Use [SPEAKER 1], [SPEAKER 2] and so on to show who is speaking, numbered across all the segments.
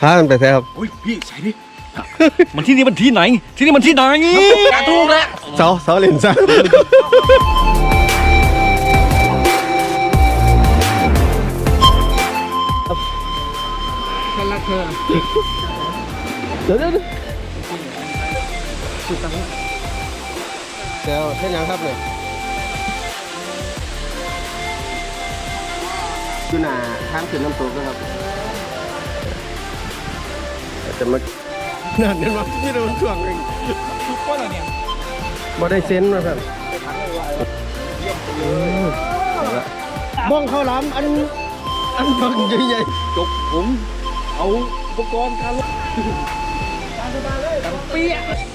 [SPEAKER 1] ามันไปแท้ครับ
[SPEAKER 2] อุ้ยพี่ใส่ดิ
[SPEAKER 3] มันที่นี่มันที่ไหน ที่นี่มันที่ไหน
[SPEAKER 2] กระทูกแล้ว
[SPEAKER 1] เสาเล่นซะเดี๋ยวเท่ยังครับเนี่ยอยู่หน้าทางขึ้นน้ำตกนะครับจะมานั่นเห็นไหมที่เราช่วงเองบ่ได้เซ็นมาครับบ้องข้าวหลามอันบังใหญ่ๆ
[SPEAKER 3] จบผมเอาอุปกรณ์การลบกันเปี้ย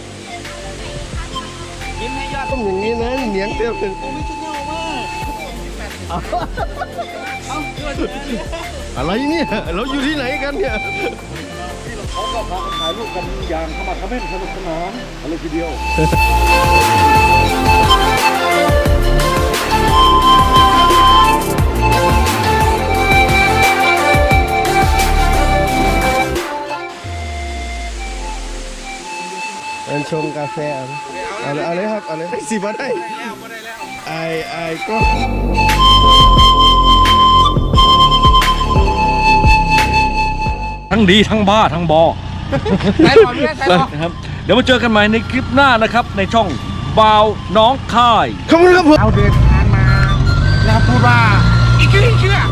[SPEAKER 3] ยิ้มให้ยอด
[SPEAKER 1] ต้องอย่างนี้นะเหนียงเตี้ยเป็น
[SPEAKER 3] ผมไม่ชุดเงามาก
[SPEAKER 1] อะไรเนี่ยเราอยู่ที่ไหนกันเนี่ย
[SPEAKER 3] เขาก็พาถ่ายรูปกันอย่างขมักเขม้นสนุกสนานอะไรทีเดียว
[SPEAKER 1] เอินชงกาแฟเอาเลยครับเอาเลยสิบ่ได้ไอก็
[SPEAKER 3] ทั้งดีทั้งบ้าทั้งบอ
[SPEAKER 2] ใส่หมอนด้วยใส่หมอน
[SPEAKER 3] นะครับเดี๋ยวมาเจอกันใหม่ในคลิปหน้านะครับในช่องบ่าวน้องค่าย
[SPEAKER 1] ขอบคุณครับผม
[SPEAKER 2] เราเดินทางมาแล้วพูดว่าอีกชื่อ